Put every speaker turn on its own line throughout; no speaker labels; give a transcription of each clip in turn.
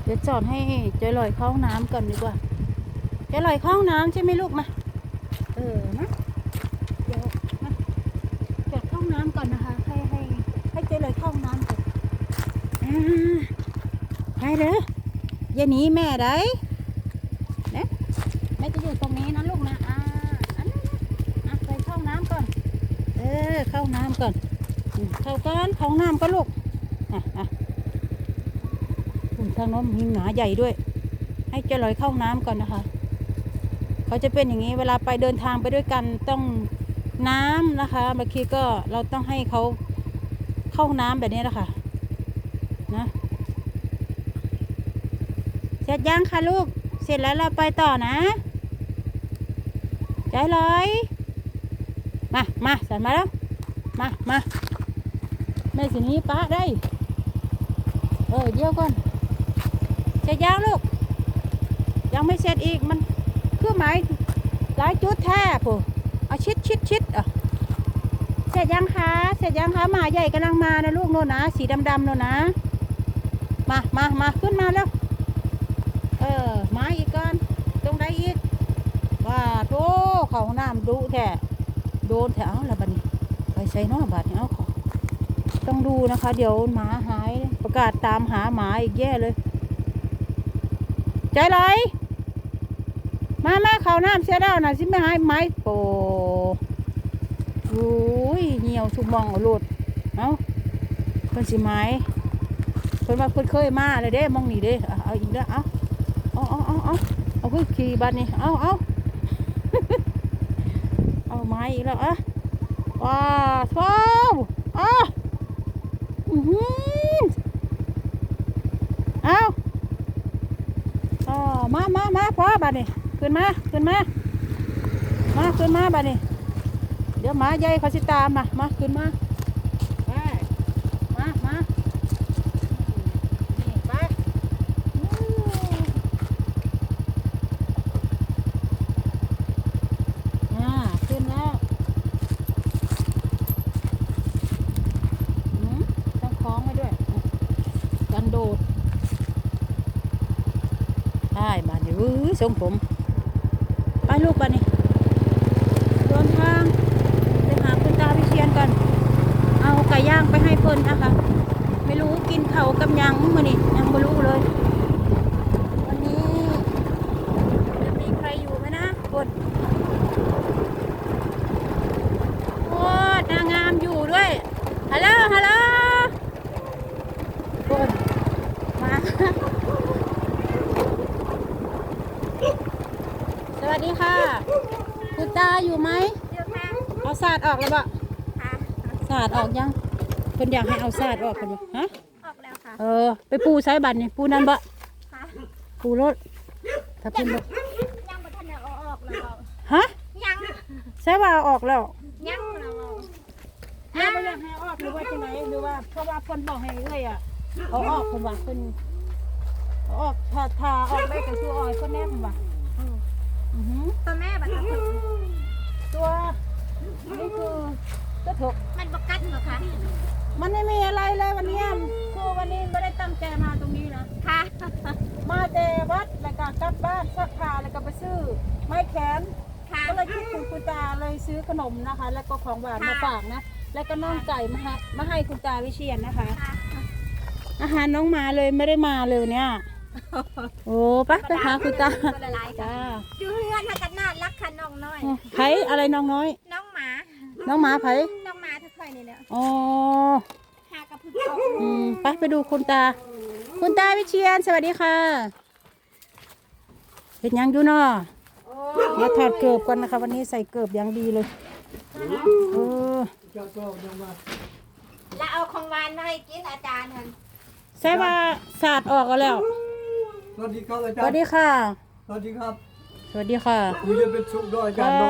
เดี๋ยวจอดให้เจลอยเข้าห้องน้ำก่อนดีกว่าเจลอยเข้าห้องน้ำใช่ไหมลูกมานะเดี๋ยวมาจอดเข้าห้องน้ำก่อนนะคะให้เจลอยเข้าห้องน้ำก่อนไปเด้ออย่าหนีแม่ได้นะแม่จะอยู่ตรงนี้นะลูกนะอันนั้นไปเข้าห้องน้ำก่อนเข้าห้องน้ำก่อนเข้ากันเข้าห้องน้ำก็ลูกทางโน้นมีหมาใหญ่ด้วยให้เจลอยเข้าน้ำก่อนนะคะเขาจะเป็นอย่างนี้เวลาไปเดินทางไปด้วยกันต้องน้ำนะคะบางทีก็เราต้องให้เขาเข้าน้ำแบบนี้แหละค่ะนะเสร็จยังคะลูกเสร็จแล้วเราไปต่อนะใจลอยมาสั่นมาแล้วมาแม่สินี้ป้าได้เดี๋ยวก่อนเสร็จยังลูกยังไม่เสร็จอีกมันเครื่องหมายหลายจุดแท้ปุ๊เอาชิดเสร็จยังคะหมาใหญ่กำลังมานะลูกโน่นนะสีดำโน่นนะมาขึ้นมาแล้วมาอีกก่อนตรงใดอีกว่าโธ่เขาน้ำดุแท้โดนแถวแล้วบัดนี้ไปใส่น้อบาดเนี่ยเอาต้องดูนะคะเดี๋ยวหมาหายประกาศตามหาหมาอีกแย่เลยใจไรมาเขาน้ำเสียดาวนะสิไม่หายไม้โปโอ้ยเหี่ยวชุบมองเอาโลดเอาเพิ่นสิไม้เพิ่นว่าเพิ่นเคยมาเลยเด้มองนี่เด้เอาอีกแล้วเอาคือขี่บัดนี่เอาเอาไม้อีกแล้วว้าท้าวมาพอบัดนี่ขึ้นมาบัดนี่เดี๋ยวหมาใหญ่เขาสิตามมาขึ้นมาไปมานี่ไปขึ้นแล้วต้องคล้องไว้ด้วยกันโดดได้มาเดี๋ยวทรงผมไปลูกไปนี่เดินทางไปหาคุณตาวิเชียนก่อนเอาไก่ย่างไปให้เพิ่นนะคะไม่รู้กินเข่ากับยังมื้อนี้ยังไม่รู้เลยวันนี้จะมีใครอยู่ไหมนะคนโอ้นางงามอยู่ด้วยฮัลโหลคนมาสวัสดีค่ะคุณตาอยู่ไหมเอาศาสตร์ออกแล้วบ่ศาสตร์ออกยังเพิ่นอยากให้เอาศาสตร์ออกกันบ่ฮะ
ออกแล้วค่ะ
ไปปูสายบัตรนี่ปูนั่นบ่ปูรถถ้าเพิ่นบ่
ยังบ่ทันเอาออกแล้ว
ฮะ
ยัง
ใช่ว่าเอาออกแล้ว
ยังแล้ว
แม่บ่อยากให้ออกหรือว่าจังไดหรือว่าเพราะว่าเพิ่นบอกให้เอ้ยเอาออกเพิ่นว่าเพิ่นเอาออกถ้าออกได้ก็คือออกเพิ่นแน่เพิ่นว่า
ตัวแม่บัดนี้
ตัวนี่คือตัวถก
มันบกัดเหรอคะ
มันไม่มีอะไรเลยวันนี้คือวันนี้ไม่ได้ตั้งใจมาตรงนี้นะ
ค่ะ
มาแต่วัดแล้วก็กลับบ้านซักผ้าแล้วก็ไปซื้อไม้แขนก็เลยคิดถึงคุณตาเลยซื้อขนมนะคะแล้วก็ของหวานมาฝากนะแล้วก็น้องไก่มาให้คุณตาวิเชียนนะคะอาหารน้องมาเลยไม่ได้มาเลยเนี่ยโอ้ไปหาคุณตา
จ้าอยู่เพื่อนกันน่ารักค่ะน้องน้อย
ไผอะไรน้องน้อย
น้องห
มาไผ
น้องหมาทุกคนนี่แหละ
อ๋อ
หากระพึ่ง
ไปดูคุณตาวิเชียนสวัสดีค่ะเห็นยังอยู่เนาะมาถอดเกือบกันนะคะวันนี้ใส่เกือบอย่างดีเลย
แล้วเอาของหวานมาให้กินอาจารย์
ใช่ว่าศาสตร์ออกแล้ว
สวัสดีครับอาจารย์
สวัสดีค่ะ
สวัสดีครับ
คุ
ณจะเป็นสุขด้วยอาจารย์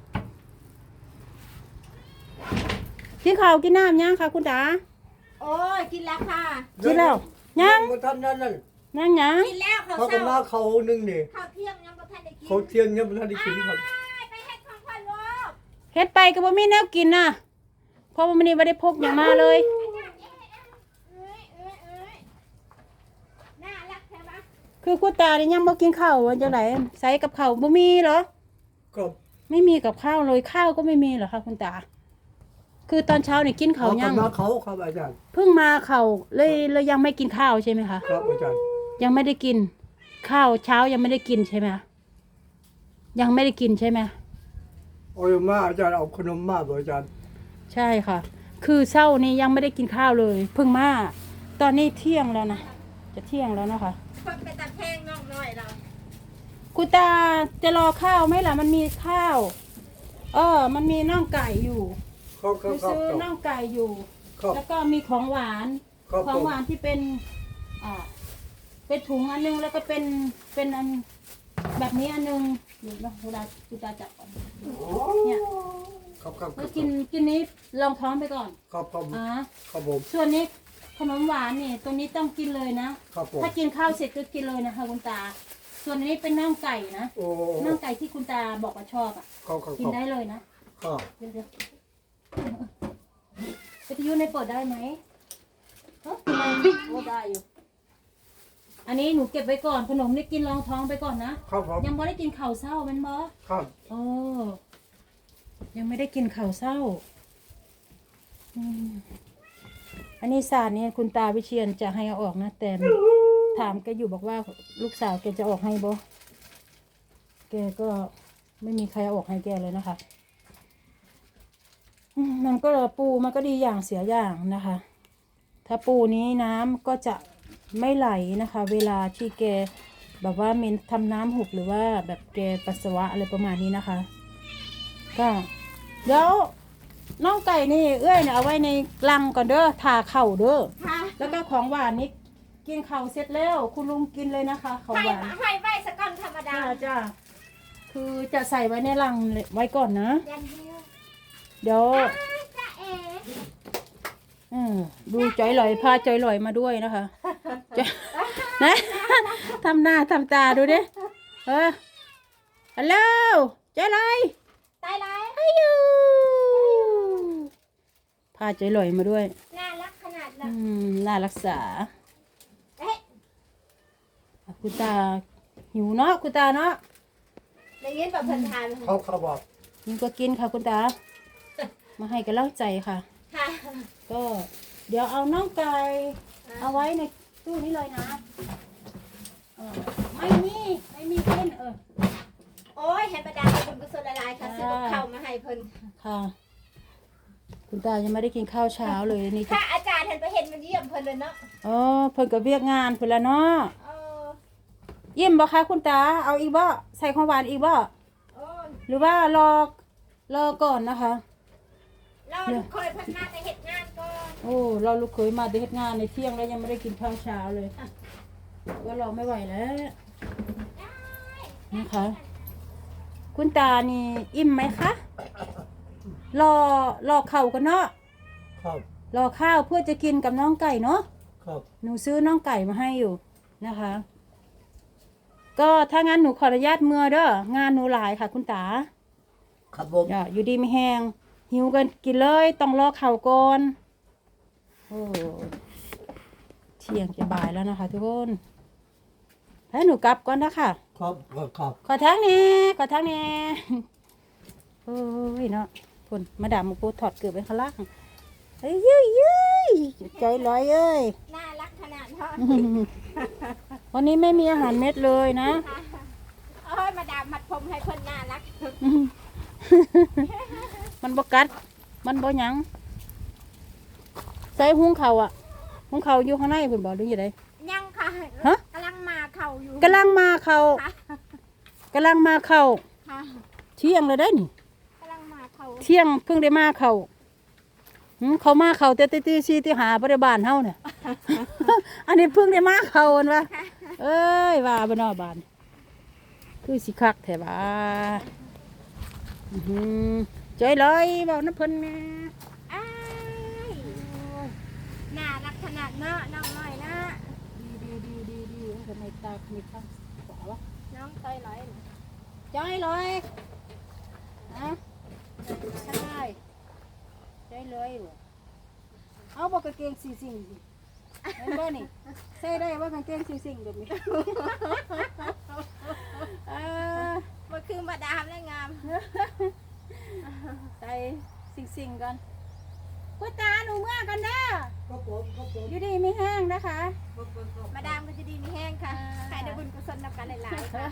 กินข้าวกินน้ำยังค่ะคุณตา
โอ้ยกินแล้วค่ะ
กินแล้วยัง
บ่ทันนั่น
กินแล้ว
เขาก็มาเขานึงนี่
ข้าวเที่ยงยังบ่ทันได้กิน
เขาเที่ยงยังบ่ทันได้กินครับ
ไปเฮ็ดของพ่อลูก
เฮ็ดไปก็บ่มีแนวกินน่ะเพราะว่ามื้อนี้บ่ได้พกหยังมาเลย
น่ารักแท้ปะ
คือคุณตาเนี่ยยังบ่กินข้าววันจังไดใส่กับข้าวบ่มีเหรอ
ครับ
ไม่มีกับข้าวเลยข้าวก็ไม่มีเหรอคะคุณตา คือตอนเช้าเนี่ยกินข้าวยัง
มาเขาครับอาจารย์
เพิ่งมาเขาเลยยังไม่กินข้าวใช่ไหมคะ
ครับอาจารย์
ยังไม่ได้กิน ข้าวเช้ายังไม่ได้กินใช่ไหมยังไม่ได้กินใช่ไหม
โอ้ยมาอาจารย์เอาขนมมาบ่อาจารย์
ใช่ค่ะ คือเช้านี้ยังไม่ได้กินข้าวเลย เพิ่งมาตอนนี้เที่ยงแล้วนะจะเที่ยงแล้วนะคะ
คนไปตะแคงน้องน้อยเรา
คุณตาจะรอข้าวไหมล่ะมันมีข้าว มันมีน่องไก่อยู่
ครับ
ไปซื้อน่องไก่อยู่
ครับ
แล้วก็มีของหวาน
ครับ
ของหวานที่เป็นเป็นถุงอันนึงแล้วก็เป็นอันแบบนี้อันนึงเดี๋ยวนะเวลาคุณตาจับก่อนเนี่ย
ครับครับ
แล้วกินนี้ลองท้องไปก่อน
ครับผม
อ่า
ครับผม
ส่วนนี้ขนมหวานนี่ตรงนี้ต้องกินเลยนะครับ
ผม
ถ้ากินข้าวเสร็จก็กินเลยนะคะคุณตา ส่วนนี้เป็นน่องไก่นะ
โอ้
น่องไก่ที่คุณตาบอกว่าชอบอ่ะ
ครับครับ
กินได้เลยนะครับ เดี๋ยววิทยุในเปิดได้ไหมเฮ้ยโอ้ได้อยู่ อันนี้หนูเก็บไว้ก่อนขนมนี่กินรองท้องไปก่อนนะครับ
ผม
ยังไม่ได้กินข้าวเช้าแมันบ่
ครับ
โอ้ยังไม่ได้กินข้าวเช้าอืมอันนี้ศาสตร์เนี่ยคุณตาวิเชียนจะให้เอาออกนะแต่ถามแกอยู่บอกว่าลูกสาวแกจะออกให้บ่แกก็ไม่มีใครเอาออกให้แกเลยนะคะมันก็ปูมันก็ดีอย่างเสียอย่างนะคะ ถ้าปูนี้น้ำก็จะไม่ไหลนะคะ เวลาที่แกแบบว่ามีทำน้ำหุบหรือว่าแบบแกปัสสาวะอะไรประมาณนี้นะคะ ก็เดี๋ยวน้องไก่นี่เอ้ยเนี่ยเอาไว้ในลังก่อนเด้อทาเข่าเด้อ
ค่ะ
แล้วก็ของหวานนี่กินเข่าวเสร็จแล้วคุณลุงกินเลยนะคะของ
ให้
หวาน
ให้ไว้สก้อนธรรมดา
จ้าคือจะใส่ไว้ในลังไว้ก่อนนะ
ยันเดียว
เดี๋ยว
จ้าเอ๋
ดูจอยลอยพาจอยลอยมาด้วยนะคะจอยนะ ทำหน้าทำตาดูดิฮัลโหลจอยลอย
ตายไร
อายุพาจอยลอยมาด้วย
น่ารักขนาด
อื
นั้น
น่ารักษา
เอ๊ะ
คุณตาหิวเนาะคุณตาเนาะ
อย่างนี้แบบเพิ่นทาน
เขาเขาบอก
กินก็กินค่ะคุณตา มาให้กำลังใจค่ะ
ค่ะ
ก็เดี๋ยวเอาน้องไก่เอาไว้ในตู้นี้เลยนะไม่มีกิน
โอ้ยให้ประดาเป็นกุศลละลายค่ะซื้อกับข้าวมาให้เพิ่น
ค่ะ คุณตายังไม่ได้กินข้าวเช้าเลยนี่จะ
ถ้าอาจารย์เห็นไปเห็นมันเยี่ยมเพิ่นเลยเนาะ
อ๋อเพิ่นก็เวียกงานเพิ่นละเนาะ
เออ
เยี่ยมบ่คะคุณตาเอาอีกบ่ใส่ของหวานอีกบ่
โอ้ย
หรือว่ารอก่อนนะคะ
เราเคยเพิ่นมาแต่เฮ็ดงานก่อน
โอ้เราลูกเคยมาเฮ็ดงานในเที่ยงแล้วยังไม่ได้กินข้าวเช้าเลยก็รอไม่ไหวแล้วนะคะ คุณตานี่อิ่มไหมคะรอเข่ากันเนาะ
ครับ
รอข้าวเพื่อจะกินกับน้องไก่เนาะ
ครับ
หนูซื้อน้องไก่มาให้อยู่นะคะ ก็ถ้างั้นหนูขออนุญาตเมื่อเด้องานหนูหลายค่ะ คุณตา
ครับผม
อยู่ดีไม่แห้งหิวกันกินเลยต้องรอเข่าก่อนโอ้เที่ยงจะบ่ายแล้วนะคะ ทุกคนให้หนูกลับก่อนนะคะ
ครับครับ
ขอทั้งนี้ขอทั้งนี้โอ้ยเนาะคนมาดามมาปูถอดเกือบไปข้างล่างเฮ้ยใจลอยเอ้ย
น่ารักขนาดเนาะ
วันนี้ไม่มีอาหารเม็ดเลยนะ
โอ้ยมาดามมัดผมให้เพิ่นน่ารัก
มันบกัด มันบ่หยังใส่หุงเขาวอ่ะหุงเขาวอยู่ข้างในเพิ่นบอกหรือยังไง
ยังค่ะ
ฮะ
กำลังมาเข่าอยู่
กำลังมาเขา
ค่ะ
กำลังมาเขา
ค่ะ
เที่ยงเลยได้นี่
กำลังมาเข่า
เที่ยงเพิ่งได้มาเขาเขามาเขาแต่ตีซีที่หาบริบาลเฮาเนี่ย อันนี้เพิ่งได้มาเขาอันวะเอ้ยว่าบ่นอบานคือสิคักแท้บ่าใจลอยบอกน้ำเพิ่นแม่
อ้ายน่ารักขนาดเนาะน้องน้อยนะ
ดีทำไมตามีข้างขวาวะ
น้องเต้ยร้อย
ใจลอยนะใช่ใจลอยว่ะเอาบอกกางเกงสีสิงเห็นบ่นี่ใส่ได้ว่ากางเกงสิ่งๆแบบนี้
มันคือมาดามและงาม
ใส่สิ่งๆกันคุณตาหนูเมื่อกันเด้อ
ครับผมครับผม
อยู่ดีไม่แห้งนะคะ
มาดามก็จะดีมีแห้งค่ะใครได้บุญกุศลนำกันหลายๆค่ะ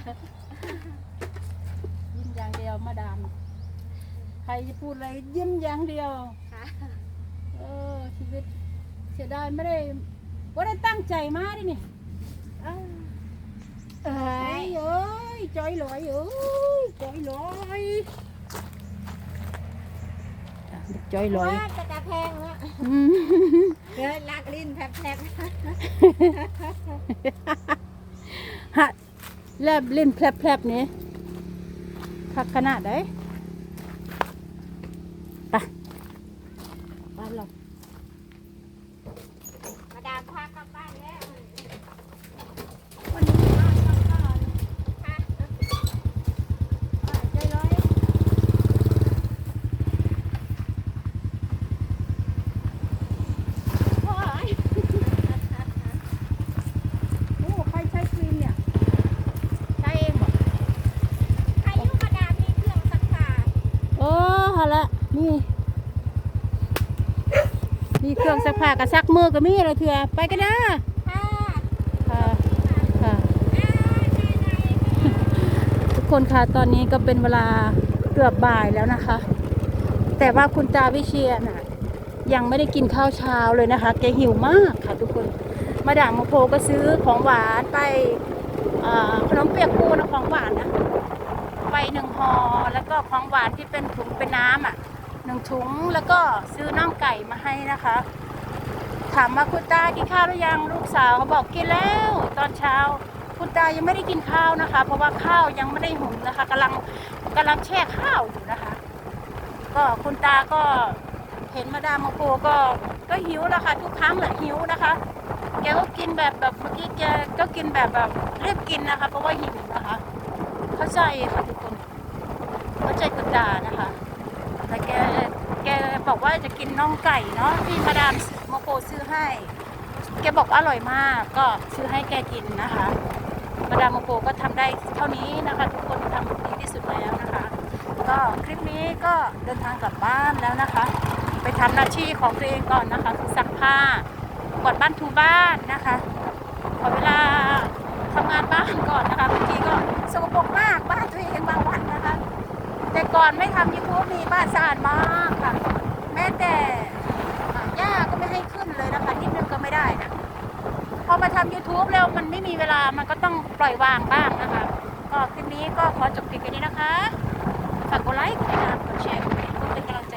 ยิ้มอย่างเดียวมาดามใครจะพูดอะไรยิ้มอย่างเดียว
ค่ะ
ชีวิตเสียดายไม่ได้ตั้งใจมาดินี่เอ้ยจอยลอยจอยลอยจอยลอย
ว่าจะแพงวะเฮ้ยลากลิ้นแผลบ
ฮะแลบเล่นแผลบๆนี่คักขนาดไหนไปบ้านเรา
มาดามพากลับบ้านแล้ว
วันนี้บ้านเราก็
ค่ะ
ใจร้อยโอ้ยโอ้ใครใช้ครีมเนี่ยใช้เองเหรอ
ใครอยู่มาดามมีเครื่องซักผ้า
โอ้ฮะละนี่มีเครื่องซักผ้ากับซักมือก็มีอะไรเถื่อไปกันนะ
ค่ะ
ค่ะค่ะทุกคนค่ะตอนนี้ก็เป็นเวลาเกือบบ่ายแล้วนะคะ แต่ว่าคุณตาวิเชียรน่ะยังไม่ได้กินข้าวเช้าเลยนะคะแกหิวมากค่ะทุกคนมาดามโมโพก็ซื้อของหวานไปขนมเปียกปูนะของหวานนะไป1 ห่อแล้วก็ของหวานที่เป็นถุงเป็นน้ำ1 ถุงแล้วก็ซื้อน่องไก่มาให้นะคะ ถามว่าคุณตากินข้าวหรือยังลูกสาวเขาบอกกินแล้วตอนเช้าคุณตายังไม่ได้กินข้าวนะคะ เพราะว่าข้าวยังไม่ได้หุงนะคะกำลังแช่ข้าวอยู่นะคะ ก็คุณตาก็เห็นมาดามโมโกก็หิวแล้วค่ะทุกครั้งแหละหิวนะคะแกก็กินแบบเมื่อกี้แกก็กินแบบรีบกินนะคะเพราะว่าหิวนะคะเข้าใจค่ะทุกคนเข้าใจคุณตานะคะแต่แกบอกว่าจะกินน่องไก่เนาะที่มาดามโมโกซื้อให้แกบอกอร่อยมากก็ซื้อให้แกกินนะคะมาดามโมโกก็ทำได้เท่านี้นะคะทุกคนทำดีที่สุดแล้วนะคะก็คลิปนี้ก็เดินทางกลับบ้านแล้วนะคะไปทำหน้าที่ของตัวเองก่อนนะคะคือซักผ้ากวาดบ้านถูบ้านนะคะขอเวลาทำงานบ้านก่อนนะคะบางทีก็สกปรกมากบ้านตัวเองบางวันนะคะแต่ก่อนไม่ทำ YouTube มีบ้านสะอาดมากค่ะแม้แต่หญ้าก็ไม่ให้ขึ้นเลยนะคะนิดนึงก็ไม่ได้นะพอมาทำ YouTube แล้วมันไม่มีเวลามันก็ต้องปล่อยวางบ้างนะคะก็คลิปนี้ก็ขอจบคลิปแค่นี้นะคะฝากกดไลค์กดติดตามกดแชร์กดเป็นกำลังใจ